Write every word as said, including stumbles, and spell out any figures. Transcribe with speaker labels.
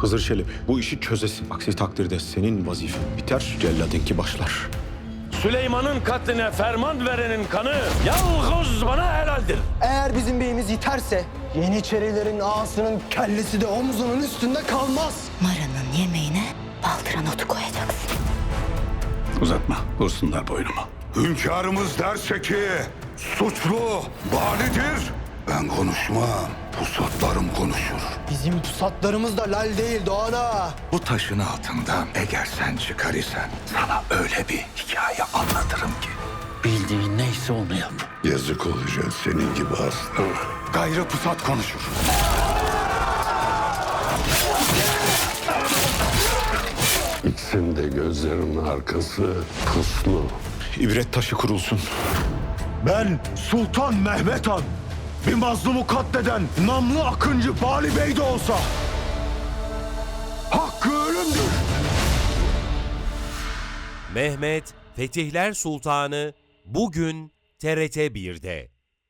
Speaker 1: Hızır Çelebi, bu işi çözesin. Aksi takdirde senin vazifen biter, celladınki başlar.
Speaker 2: Süleyman'ın katline ferman verenin kanı yalnız bana helaldir.
Speaker 3: Eğer bizim beyimiz yiterse Yeniçerilerin ağasının kellesi de omzunun üstünde kalmaz.
Speaker 4: Mara'nın yemeğine baldıran otu koyacaksın.
Speaker 5: Uzatma, vursunlar boynuma.
Speaker 6: Hünkârımız derse ki suçlu banidir. Ben konuşmam, pusatlarım konuşur.
Speaker 3: Bizim pusatlarımız da lal değil Doğan Ağa.
Speaker 6: Bu taşın altından eğer sen çıkar isen sana öyle bir hikaye anlatırım ki.
Speaker 5: Bildiğin neyse onu yap.
Speaker 6: Yazık olacak senin gibi aslan. Gayrı pusat konuşur.
Speaker 7: İkisinin de gözlerinin arkası puslu.
Speaker 1: İbret taşı kurulsun.
Speaker 8: Ben Sultan Mehmet Han, bir mazlumu katleden namlı Akıncı Bali Bey de olsa hakkı ölümdür.
Speaker 9: Mehmet Fetihler Sultanı bugün T R T bir'de.